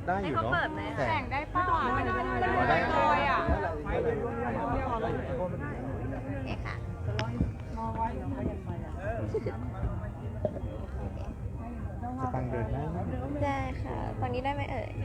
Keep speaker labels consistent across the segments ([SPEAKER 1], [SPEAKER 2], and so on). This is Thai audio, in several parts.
[SPEAKER 1] ได้อยู่เนาะ
[SPEAKER 2] แข่งได้เปล่าไม่ได้เลยอ่ะโอเคค่ะ
[SPEAKER 1] จะตังเดินได้ไหม
[SPEAKER 2] ได้ค่ะตอนนี้ได้ไหมเอ่ย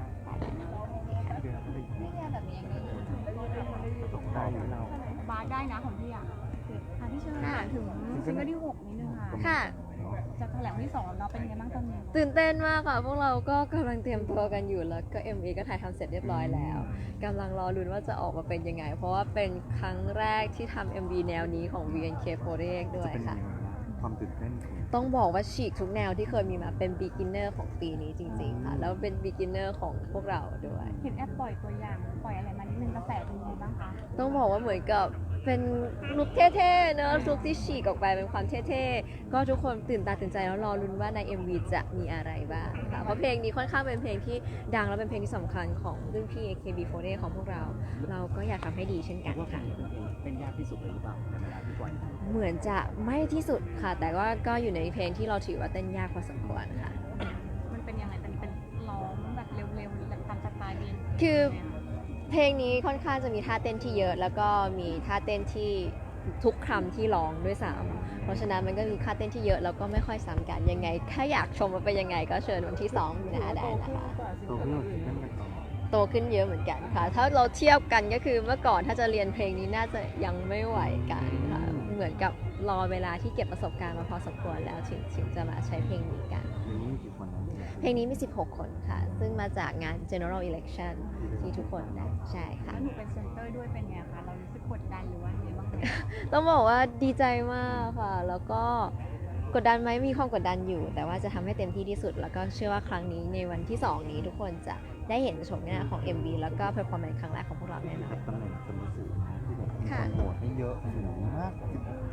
[SPEAKER 1] ได้อยู่เรา
[SPEAKER 3] บาสได้นะของพี่อ่ะพี่เชิญถามถึงซิงเกิลที่6นิดนึงค่ะ
[SPEAKER 2] ค่ะ
[SPEAKER 3] จะแถลงที่2แล้วเนาะเป็นไงบ้างตอนนี้
[SPEAKER 2] ตื่นเต้นมากค่ะพวกเราก็กำลังเตรียมตัวกันอยู่แล้วก็ MV ก็ถ่ายทำเสร็จเรียบร้อยแล้วกำลังรอลุ้นว่าจะออกมาเป็นยังไงเพราะว่าเป็นครั้งแรกที่ทำ MV แนวนี้ของ VNK48 ด้วยค่ะ
[SPEAKER 1] ความตื่นเต้นของ
[SPEAKER 2] ต้องบอกว่าฉีกทุกแนวที่เคยมีมาเป็น beginner ของปีนี้จริงๆค่ะแล้วเป็น beginner ของพวกเราด้วย
[SPEAKER 3] เห็นแอปปล่อยตัวอย่างปล่อยอะไรมานิดนึงกระแสเป็นยังไงบ้างคะ
[SPEAKER 2] ต้องบอกว่าเหมือนกับเป็นลุคเท่ๆเนอะลุคที่ฉีกออกไปเป็นความเท่ๆก็ทุกคนตื่นตาตื่นใจแล้วรอลุ้นว่าใน MV จะมีอะไรบ้างค่ะเพราะเพลงนี้ค่อนข้างเป็นเพลงที่ดังและเป็นเพลงที่สำคัญของรุ่นพี่ AKB48 ของพวกเราเราก็อยากทำให้ดีเช่นกันค่ะ
[SPEAKER 1] เป็นยากที่สุดเลยหรือเปล่าในเวลาที่ปล่อย
[SPEAKER 2] เหมือนจะไม่ที่สุดค่ะ แต่ว่าก็อยู่ในเพลงที่เราถือว่าเต้นยากพอสมควรค่ะ
[SPEAKER 3] มันเป็นยังไงเป็นร้องแบบเร็วๆแบบตามสไตล์เอง
[SPEAKER 2] คือเพลงนี้ค่อนข้างจะมีท่าเต้นที่เยอะ แล้วก็มีท่าเต้นที่ทุกคำที่ร้องด้วยซ้ำเพราะฉะนั้นมันก็มีท่าเต้นที่เยอะแล้วก็ไม่ค่อยซ้ำกันยังไงถ้าอยากชมว่าเป็นยังไงก็เชิญวันที่2มีนาได้นะคะ
[SPEAKER 1] ตัวเพื่อนที่นั่นกันต่อ
[SPEAKER 2] โตขึ้นเยอะเหมือนกันค่ะ ถ้าเราเทียบกันก็คือเมื่อก่อนถ้าจะเรียนเพลงนี้น่าจะยังไม่ไหวกันค่ะเหมือนกับรอเวลาที่เก็บประสบการณ์มาพอสมควรแล้วถึงจะมาใช้เพลงนี้กัน
[SPEAKER 1] มีกี่คนนะ
[SPEAKER 2] เพลงนี้มี 16 คนค่ะ ซึ่งมาจากงาน general election ที่ทุกคนได้ใช่ค่ะ
[SPEAKER 3] แล้วหนูเป็นเซนเตอร์ด้วยเป็นไงคะเรารู้สึกกดดันหรือว่าไงบ้างไหม
[SPEAKER 2] ต้องบอกว่าดีใจมากค่ะ แล้วก็กดดันไหมมีความกดดันอยู่ แต่ว่าจะทำให้เต็มที่ที่สุด แล้วก็เชื่อว่าครั้งนี้ในวันที่ 2 นี้ทุกคนจะได้เห็นชมหน้าของ MV แล้วก็ performance ครั้งแรกของพวกเราแน่นอน
[SPEAKER 1] ตำแหน่งสมุสื่อนะที่แบบมีคนโหวตให้เยอะสูงมาก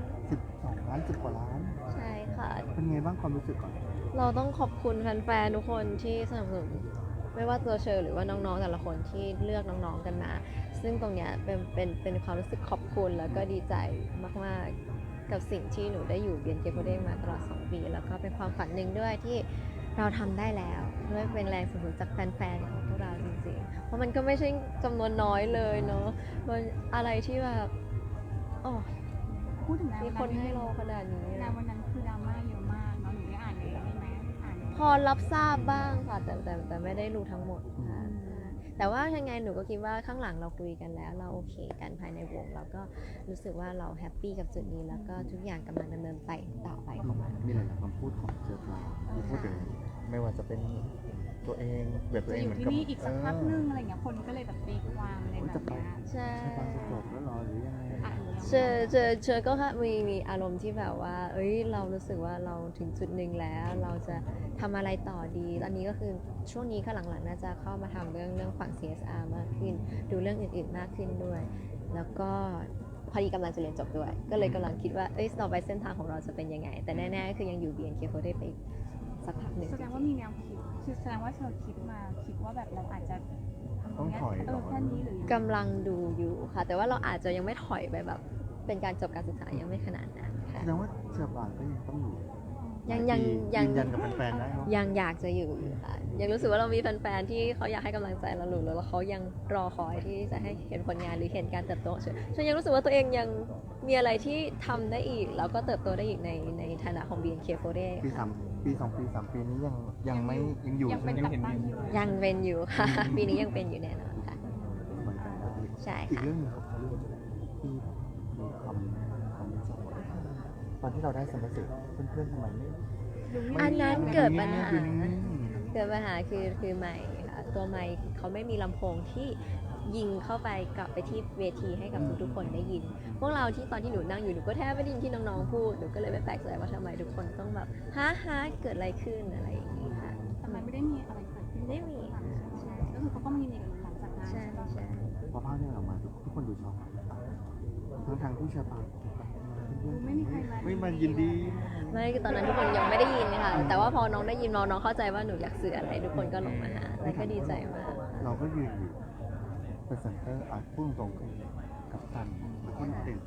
[SPEAKER 1] 12 ล้าน10 กว่าล้าน
[SPEAKER 2] ใช่ค่ะ
[SPEAKER 1] เป็นไงบ้างความรู้สึกก่อน
[SPEAKER 2] เราต้องขอบคุณแฟนๆทุกคนที่สนับสนุนไม่ว่าตัวเชอร์หรือว่าน้องๆแต่ละคนที่เลือกน้องๆกันมา ซึ่งตรงเนี้ยเป็นความรู้สึกขอบคุณแล้วก็ดีใจมากๆกับสิ่งที่หนูได้อยู่เบียนเกโกเด้งมาตลอด2 ปีแล้วก็เป็นความฝันหนึ่งด้วยที่เราทำได้แล้วด้วยเป็นแรงสนับสนุนจากแฟนๆของพวกเราจริงๆเพราะมันก็ไม่ใช่จำนวนน้อยเลยเนาะมันอะไรที่แบบโอ้
[SPEAKER 3] พูดถึงงาน
[SPEAKER 2] มีคนให้เราขนาดนี้
[SPEAKER 3] งานวันนั้นคือดราม่าเยอะมากเนาะหนูได้อ่านเลยใช่ไหมอ่าน
[SPEAKER 2] พอรับทราบบ้างค่ะแต่ไม่ได้รู้ทั้งหมดค่ะแต่ว่ายังไงหนูก็คิดว่าข้างหลังเราคุยกันแล้วเราโอเคกันภายในวงเราก็รู้สึกว่าเราแฮปปี้กับจุดนี้แล้วก็ทุกอย่างกำลังดำเนินไปต่อไปของมัน
[SPEAKER 1] มีหลายๆคำพูดของเจอปลาที่พูดถึงไม่ว่าจะเป็นตัวเองแบบตัว
[SPEAKER 3] จะ
[SPEAKER 1] เอ
[SPEAKER 3] อง
[SPEAKER 1] เหมื
[SPEAKER 3] ยู่
[SPEAKER 1] อนกับ
[SPEAKER 3] ที่นี่อีกสักพักนึงอะไรเงี้ยคนก็เลยแบบตีความอะไรแบบเนี้ย
[SPEAKER 2] ใช่
[SPEAKER 1] ใช่ปลาจะจบแล้วหรอหรือยังไง
[SPEAKER 3] อ่ะหนูยัง
[SPEAKER 2] เจอก็มีอารมณ์ที่แบบว่าเอ้ยเรารู้สึกว่าเราถึงจุดหนึ่งแล้ว เราจะทำอะไรต่อดีตอนนี้ก็คือช่วงนี้ข้างหลังๆน่าจะเข้ามาทำเรื่องฝั่ง CSR มากขึ้น ดูเรื่องอื่นๆมากขึ้นด้วย แล้วก็พอดีกำลังจะเรียนจบด้วย ก็เลยกำลังคิดว่าเอ้ยต่อไปเส้นทางของเราจะเป็นยังไง แต่แน่ๆคือยังอยู่ BNK48 ไปสักพักหนึ่ง
[SPEAKER 3] แสดงว่ามีแนวคิดคือแสดงว่าเธอคิดมาคิดว่าแบบเราอาจจะทำตรงเนี้ยแค่นี้หรือ
[SPEAKER 2] กำลังดูอยู่ค่ะ แต่ว่าเราอาจจะยังไม่ถอยไปแบบเป็นการจบการศึกษายังไม่ขนาดนั้นค่ะ
[SPEAKER 1] แสดงว่าเจอปลาก็ยังต้องอยู่
[SPEAKER 2] ยัง
[SPEAKER 1] ยืนยันกับแฟนๆได้เนาะ
[SPEAKER 2] ยังอยากจะอยู่ค่ะ ยังรู้สึกว่าเรามีแฟนๆที่เขาอยากให้กำลังใจเราอยู่แล้วเขายังรอคอยที่จะให้เห็นผลงานหรือเห็นการเติบโตฉันยังรู้สึกว่าตัวเองยังมีอะไรที่ทำได้อีกแล้วก็เติบโตได้อีกในฐานะของ BNK48
[SPEAKER 1] ปี
[SPEAKER 2] ค่ะ
[SPEAKER 1] 3 ปี 2 ปี 3 ปีนี้ยังไม่ยังอยู่
[SPEAKER 3] ยังเป็น
[SPEAKER 1] ใช่ไหม
[SPEAKER 3] กับตั้งอยู่
[SPEAKER 2] ยังเป็นอยู่ค่ะ ปีนี้ยังเป็นอยู่แน่นอนค่ะ
[SPEAKER 1] เหมือนกันได้
[SPEAKER 2] ใช่
[SPEAKER 1] อีก
[SPEAKER 2] ค่ะ
[SPEAKER 1] เรื่องหนึงครับเรื่องที่มีความวิจารณ์ว่าตอนที่เราได้สมรสเพื่อนๆทำไมไม่
[SPEAKER 2] อันนั้นเกิดปัญหา
[SPEAKER 1] ดูนิ่ง
[SPEAKER 2] เกิดปัญหาคือไมค์ค่ะตัวไมค์เขาไม่มีลำโพงที่ยิงเข้าไปกลับไปที่เวทีให้กับทุกๆคนได้ยิน พวกเราที่ตอนที่หนูนั่งอยู่หนูก็แทบไม่ได้ยินที่น้องๆพูดหนูก็เลยไม่แปลกใจว่าทำไมทุกคนต้องแบบฮะเกิดอะไรขึ้นอะไรอย่างนี้ค่ะ
[SPEAKER 3] ทำไมไม่ได้มีอะไรเกิดขึ้น
[SPEAKER 2] ไม่มี
[SPEAKER 3] ใช่ก็คือเขาก็มีในหลังจากนั้น
[SPEAKER 2] ใช่
[SPEAKER 3] ใช่ปะ
[SPEAKER 2] ใช่
[SPEAKER 1] พอภาพนี้ออกมาทุกคนดูช็อกทั้งที่เชอปา
[SPEAKER 3] ไม่มีใครมา
[SPEAKER 1] ไม่มายินดี
[SPEAKER 2] ไม่คือตอนนั้นทุกคนยังไม่ได้ยินค่ะแต่ว่าพอน้องได้ยินน้องเข้าใจว่าหนูอยากสื่ออะไรทุกคนก็ลงมาหาแล้วก็ดีใจมาก
[SPEAKER 1] เราก็ยืนอยู่เป็นเซนเตอร์พูดตรงๆคือกับตันแล้วก็เด่น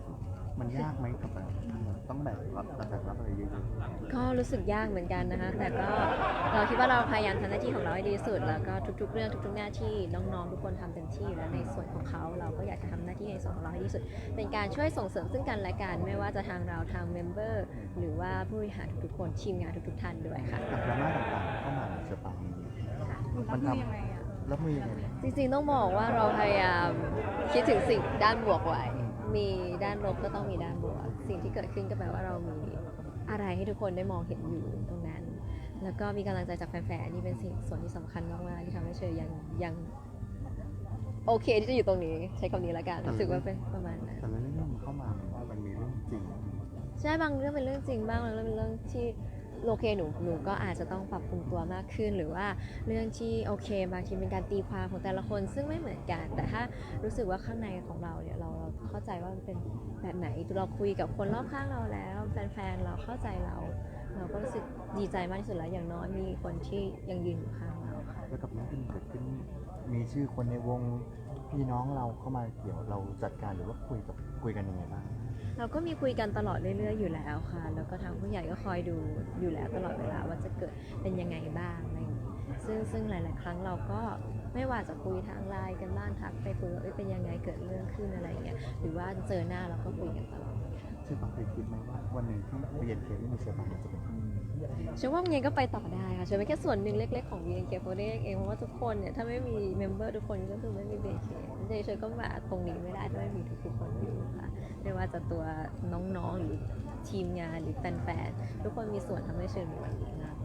[SPEAKER 1] มันยากไหมกับแบบต้องแบกรับอะไรเยอะ
[SPEAKER 2] ก็รู้สึกยากเหมือนกันนะคะ แต่ก็เราคิดว่าเราพยายามทำหน้าที่ของเราให้ดีที่สุด แล้วก็ทุกๆเรื่องทุกๆหน้าที่น้องๆทุกคนทำเต็มที่แล้วในส่วนของเขาเราก็อยากจะทำหน้าที่ในส่วนของเราให้ดีที่สุด เป็นการช่วยส่งเสริมซึ่งกันและกันไม่ว่าจะทางเราทางเมมเบอร์หรือว่าผู้บริหารทุกๆคนทีมงานทุกๆท่านด้วยค่ะ
[SPEAKER 1] ๆกับดราม่าต่างๆเข้ามาเชอปาง
[SPEAKER 3] รับมือยังไงอะ
[SPEAKER 1] รับมือยังไงบ้าง
[SPEAKER 2] จริงๆต้องบอกว่าเราพยายามคิดถึงสิ่งด้านบวกไว้ มีด้านลบก็ต้องมีด้านบวก สิ่งที่เกิดขึ้นก็แปลว่าเรามีอะไรให้ทุกคนได้มองเห็นอยู่ตรงนั้น แล้วก็มีกำลังใจจากแฟนๆนี่เป็นสิ่งส่วนที่สำคัญมากๆที่ทำให้เชยยังโอเคที่จะอยู่ตรงนี้ใช้คำนี้ละกันรู้สึกว่าเป็นประมาณนั้น
[SPEAKER 1] แต่ละเรื่องมันเข้ามามันมีเรื่องจริง
[SPEAKER 2] ใช่บางเรื่องเป็นเรื่องจริงบ้างบางเรื่องเป็นเรื่องที่โอเคหนูก็อาจจะต้องปรับปรุงตัวมากขึ้นหรือว่าเรื่องที่โอเคบางทีเป็นการตีความของแต่ละคนซึ่งไม่เหมือนกัน แต่ถ้ารู้สึกว่าข้างในของเราเนี่ยเราเข้าใจว่ามันเป็นแบบไหนเราคุยกับคนรอบข้างเราแล้วแฟนๆเราเข้าใจเราก็รู้สึกดีใจมากที่สุดแล้วอย่างน้อยมีคนที่ยังยืนอยู่ข้างเราค่ะ
[SPEAKER 1] แล้วกับเรื่องที่มันเกิดขึ้นมีชื่อคนในวงพี่น้องเราเข้ามาเกี่ยวเราจัดการหรือว่าคุยกันยังไงบ้าง
[SPEAKER 2] เราก็มีคุยกันตลอดเรื่อยๆอยู่แล้วค่ะ แล้วก็ทางผู้ใหญ่ก็คอยดูอยู่แล้วตลอดเวลาว่าจะเกิดเป็นยังไงบ้างอะไรอย่างนี้ซึ่งหลายๆครั้งเราก็ไม่ว่าจะคุยทางไลน์กันบ้างทักไปคุยว่าเป็นยังไงเกิดเรื่องขึ้นอะไรอย่างเงี้ย หรือว่าเจอหน้าเราก็คุยกันตลอด
[SPEAKER 1] เชอปางเคยคิดไหมว่าวันหนึ่งที่เรียนเคไม่มีเชอปางจะเป็น
[SPEAKER 2] เชื่อว่ามันยังก็ไปต่อได้ค่ะเชื่อเป็นแค่ส่วนหนึ่งเล็กๆของ BNK48 เองเพราะว่าทุกคนเนี่ยถ้าไม่มีเมมเบอร์ทุกคนก็คือไม่มี BNK เฉยๆก็มาตรงนี้ไม่ได้ถ้าไม่มีทุกๆคนอยู่ค่ะไม่ว่าจะตัวน้องๆหรือทีมงานหรือแฟนๆทุกคนมีส่วนทำให้เชิญมีวันนี้มาก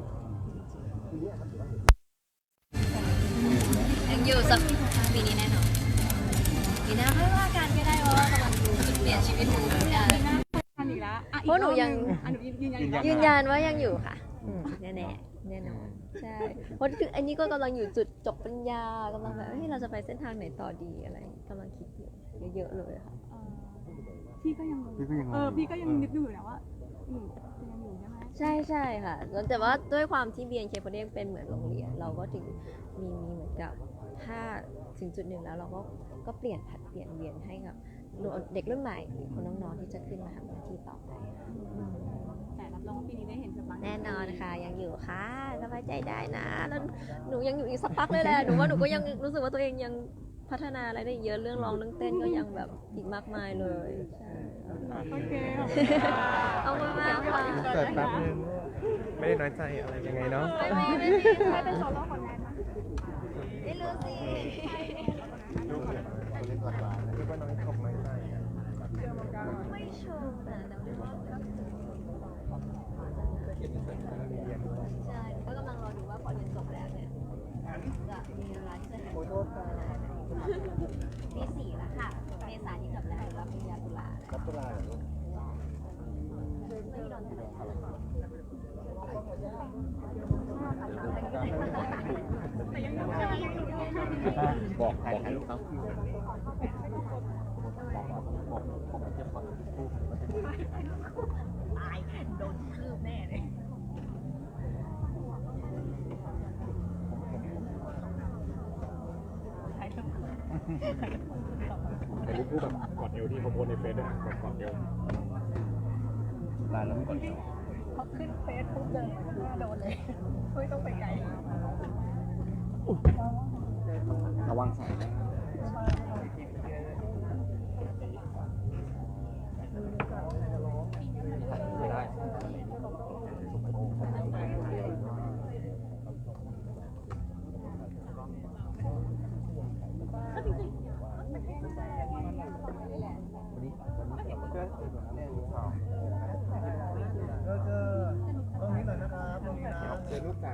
[SPEAKER 2] ยังอยู่สักปีนี้แน่นอนปีหน้าไม่ว่ากันก็ได้เพราะว่ากำลังดูจุดเปลี่ยนชีวิตหนูเหมือนกัน
[SPEAKER 3] ทันอีกแล้วอ่ะ
[SPEAKER 2] เพราะหนูยัง
[SPEAKER 3] หนูยืนยันอีกรอบ
[SPEAKER 2] ยืนยันว่ายังอยู่ค่ะแน่ๆแน่นอนใช่เพราะคืออันนี้ก็กำลังอยู่จุดจบปริญญากำลังแบบเราจะไปเส้นทางไหนต่อดีอะไรกำลังคิดอยู่เยอะๆเลยค่ะ
[SPEAKER 3] พี่ก็ยังพี่ก็ยังนึกอยู่นะว่าหนูยังอยู่ใช่ไหม
[SPEAKER 2] ใช่ค่ะแต่ว่าด้วยความที่ BNK48 เป็นเหมือนโรงเรียนเราก็ถึงมีเหมือนกับถ้าถึงจุดหนึ่งแล้วเราก็เปลี่ยนผัดเปลี่ยนเวียนให้กับเด็กรุ่นใหม่หรือคนน้องๆที่จะขึ้นมาทำหน้าที่ต่อไป
[SPEAKER 3] แต่รับรองว่าปีนี้ได้เห็นเชอปาง
[SPEAKER 2] แน่นอนค่ะยังอยู่ค่ะสบายใจได้นะแล้วหนูยังอยู่อีกสักพักเลยแหละหนูว่าหนูก็ยังรู้สึกว่าตัวเองยังพัฒนาอะไรได้เยอะเรื่องร้องเรื่องเต้นก็ยังแบบอีกมากมายเลยใช่
[SPEAKER 3] โอเค
[SPEAKER 2] เอามากๆค่ะ
[SPEAKER 4] เกิดแป๊บนึงไม่ได้น้อยใจอะไรยังไงเนาะ
[SPEAKER 2] ไม่ใครเป็นโซโล่คนแรกไม่รู้สิ
[SPEAKER 1] เล่นก่อนมา
[SPEAKER 4] คิดว่าน้องขอบน้อยใจอะ
[SPEAKER 2] ไม่เชิงนะแต่ว่าใช่ก็กำลังรอดูว่าพอเรียนจบแล้วเนี่ยจะมีเวลาที่จะเห็นปี 4แล้วค่ะเมษายนที่จบแล้วรับปริญญาตุลา
[SPEAKER 1] รับตุลาเหรอลูก
[SPEAKER 2] ไม่โดนทะเล
[SPEAKER 1] บอกให้ลูกครับบอกเทียบก่อน
[SPEAKER 2] ตายโดนคืบแน่เลย
[SPEAKER 5] แต่รูปคู่แบบกอดเอวที่เขาโพสในเฟซด้วยแบบกอดเอว
[SPEAKER 1] ลาแล้วไม่กดเอว
[SPEAKER 2] พอขึ้นเฟซปุ๊บเดินโดนเลยไม่ต้องไปไกล
[SPEAKER 1] ระวังสายนะ ไม่ได้
[SPEAKER 4] เจอลูกสาว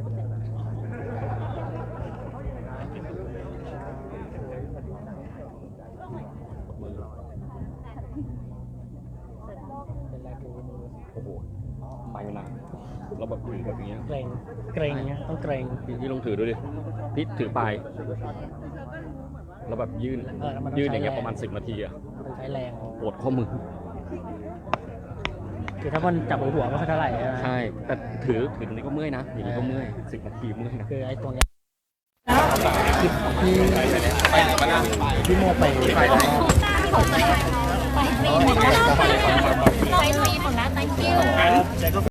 [SPEAKER 5] โอ้โหไปหนักเราแบบถือแบบอย่างเงี้ย
[SPEAKER 6] เกรงเงี้ยต้องเกรง
[SPEAKER 5] พี่ลองถือดูดิพี่ถือปลายเราแบบยื่นอย่างเงี้ยประมาณ10 นาทีอะ
[SPEAKER 6] มันใช้แรง
[SPEAKER 5] ปวดข้อมือ
[SPEAKER 6] คือถ้ามันจับหัวก็ไม่เท่าไหร่ใช่ไหม
[SPEAKER 5] ใช่แต่ถือตรงนี้ก็เมื่อยนะอย่างนี้ก็เมื่อย10 นาทีเมื่อยนะ
[SPEAKER 6] คือไอ้ตรงเนี้ยที่โมไป
[SPEAKER 7] ไปฟรีหมดแล้ว thank you